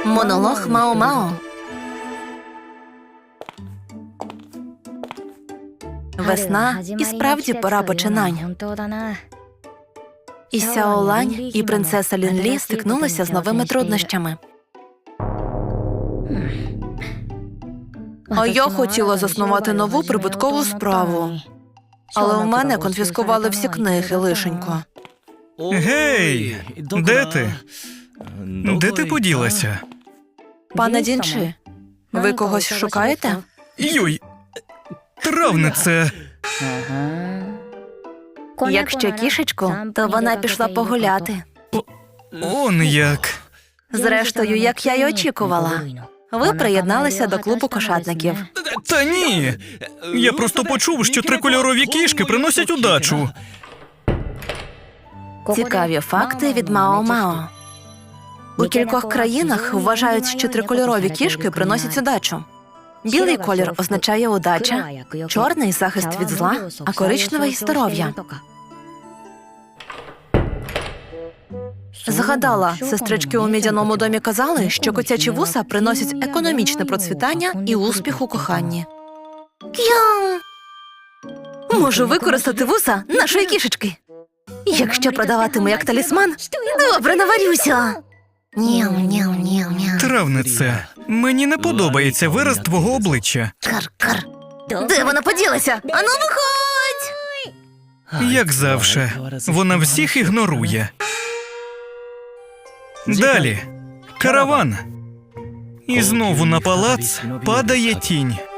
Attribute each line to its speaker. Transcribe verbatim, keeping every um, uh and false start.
Speaker 1: Монолог Мао-Мао. Весна і справді пора починань. І Сяо Лань, і принцеса Лін-Лі стикнулися з новими труднощами. А я хотіла заснувати нову прибуткову справу. Але у мене конфіскували всі книги, лишенько.
Speaker 2: Гей! Де ти? Де ти поділася?
Speaker 1: Пане Дінчі, ви когось шукаєте?
Speaker 2: Йой! Травнице!
Speaker 1: Якщо кішечку, то вона пішла погуляти.
Speaker 2: Он як!
Speaker 1: Зрештою, як я й очікувала. Ви приєдналися до клубу кошатників.
Speaker 2: Та ні! Я просто почув, що трикольорові кішки приносять удачу.
Speaker 1: Цікаві факти від Мао-Мао. У кількох країнах вважають, що трикольорові кішки приносять удачу. Білий колір означає удача, чорний – захист від зла, а коричневий – здоров'я. Згадала, сестрички у мідяному домі казали, що котячі вуса приносять економічне процвітання і успіх у коханні. К'яу! Можу використати вуса нашої кішечки. Якщо продаватиму як талісман, добре наварюся. Няу-няу-няу-няу.
Speaker 2: Травнице, мені не подобається вираз твого обличчя.
Speaker 1: Кар-кар. Де вона поділася? Ану, виходь!
Speaker 2: Як завше, вона всіх ігнорує. Далі. Караван. І знову на палац падає тінь.